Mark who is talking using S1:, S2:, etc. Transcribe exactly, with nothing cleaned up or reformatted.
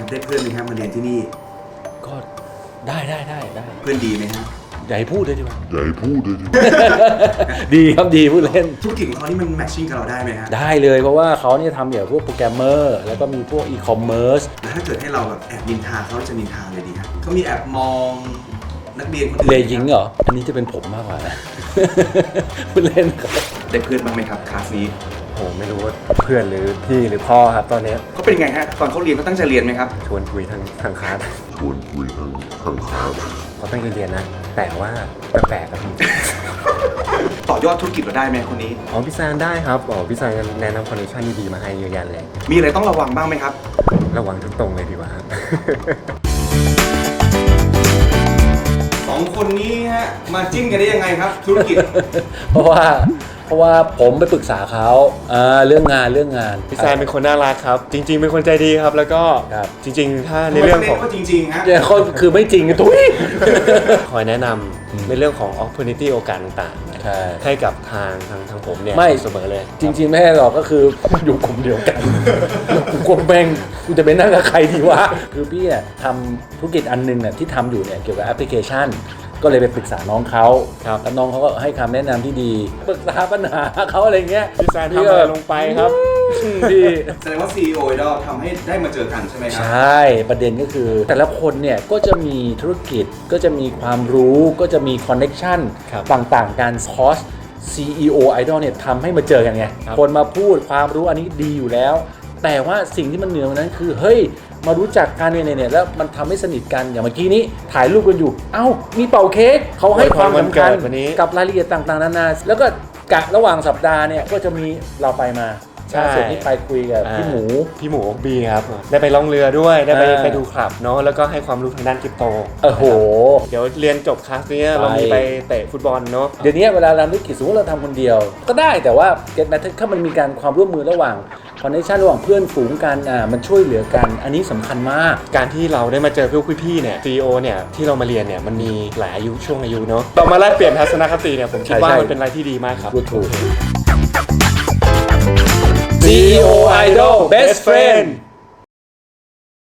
S1: ครับได้เพื่อนไหมครับมาเรียนที่นี่
S2: ก็ได้ได้ได้ได้
S1: เพื่อนดีไหมฮะ
S2: ใหญ่พูดเลยดีกว่า
S3: ใหญ่พูดเลยดี
S2: ดีครับดีพูดเล่น
S1: ธุรกิจของเขานี่มันแมทชิ่งกับเราได้ไหมฮะ
S2: ได้เลยเพราะว่าเขาเนี่ยทำเกี่ยวกับพวกโปรแกรมเมอร์แล้วก็มีพวกอีคอมเมิร์ซ
S1: แล้วถ้าเกิดให้เราแบบแอบนินทาเขาจะนินทาเลยดีครับเขามีแอบมองนักเรียนคนอื่น
S2: เลยยิงเหรออันนี้จะเป็นผมมากกว่านะพูดเล่นครับ
S1: ได้เพื่อนบ้างไหมครับคลาสนี้
S4: โอ้ไม่รู้ว่าเพื่อนหรือพี่หรือพ่อครับตอนนี้
S1: เขาเป็นไงฮะตอนเขาเรียนเขาตั้งใจเรียนไหมครับ
S4: ชวนคุยทางทางคลาส
S3: ชวนคุยทางทางคลาส
S4: เขาตั้งใจเรียนนะแต่ว่าแปลกๆครับ
S1: ต่อยอดธุรกิจเราได้ไหมคนนี้
S4: อ๋อพี่แซนได้ครับอ๋อพี่แซนแนะนำคอนเนคชั่นดีๆมาให้เยอะแยะเลย
S1: มีอะไรต้องระวังบ้างไหมครับ
S4: ระวังทุกตรงเลยดีกว่าครับ
S1: สองคนนี้ฮะมาจิ้นกันได้ยังไงครับธุรกิจ
S2: เพราะว่าเพราะว่าผมไปปรึกษาเขาเรื่องงานเรื่องงาน
S4: พี่แซนเป็นคนน่ารักครับจริงๆเป็นคนใจดีครับแล้วก็จริงๆถ้าในเรื่องของ
S1: จริงๆฮะ
S2: เนี่ยเขาคือไม่จริงทุย
S4: คอยแนะนำในเรื่องของ opportunity โอกาสต่างๆ
S2: ใช่
S4: ให้กับทางทางทางผมเนี่ย
S2: ไม่
S4: เสมอเลย
S2: จริงๆไม่ให้หรอกก็คืออยู่กลุ่มเดียวกันกูกลัวแม่งกูจะไปนั่งกับใครดีวะคือพี่เนี่ยทำธุรกิจอันนึงเนี่ยที่ทำอยู่เนี่ยเกี่ยวกับแอปพลิเคชันก็เลยไปปรึกษาน้องเขาแล้วน้องเขาก็ให้คำแนะนำที่ดีปรึกษาปัญหาเขาอะไรเงี้ย
S4: พี่แซนทำอะไรลงไปครับ
S2: พี่
S1: แสดงว่า ซี อี โอ Idol ทำให้ได้มาเจอกันใช่ไหมครั
S2: ใช่ประเด็นก็คือแต่ละคนเนี่ยก็จะมีธุรกิจก็จะมีความรู้ก็จะมีคอนเน็กชันต่างๆการคอส ซี อี โอ Idol เนี่ยทำให้มาเจอกันไงคนมาพูดความรู้อันนี้ดีอยู่แล้วแต่ว่าสิ่งที่มันเหนือกว่านั้นคือเฮ้ยมารู้จักกันเนี่ยเนี่ยแล้วมันทำให้สนิทกันอย่างเมื่อกี้นี้ถ่ายรูปกันอยู่เอ้ามีเป่าเค้กเขาให้ความสำคัญกับรายละเอียดต่างๆนานาแล้วก็กะระหว่างสัปดาห์เนี่ยก็จะมีเราไปมาล่าสุดที่ไปคุยกับพี่หมู
S4: พี่หมูบีครับได้ไปล่องเรือด้วยได้ไปไปดูคลับเนาะแล้วก็ให้ความรู้ทางด้านคริปโต
S2: โอ้โห
S4: เดี๋ยวเรียนจบคลาสนี้เรามีไปเตะฟุตบอลเนาะ
S2: เดี๋ยวนี้เวลาเราธุรกิจสมมติเราทำคนเดียวก็ได้แต่ว่าเก็ตแมทถ้ามันมีการความร่วมมือระหว่างคอนเนคชั่นระหว่างเพื่อนฝูงกันอ่ามันช่วยเหลือกันอันนี้สำคัญมาก
S4: การที่เราได้มาเจอพวกพี่ๆเนี่ย ซี อี โอ เนี่ยที่เรามาเรียนเนี่ยมันมีหลายอายุช่วงอายุเนาะเรามาแลกเปลี่ยนทัศนคติเนี่ยผมคิดว่ามันเป็นอะไรที่ดีมากครับ
S2: ถูก ซี อี โอ Idol Best Friend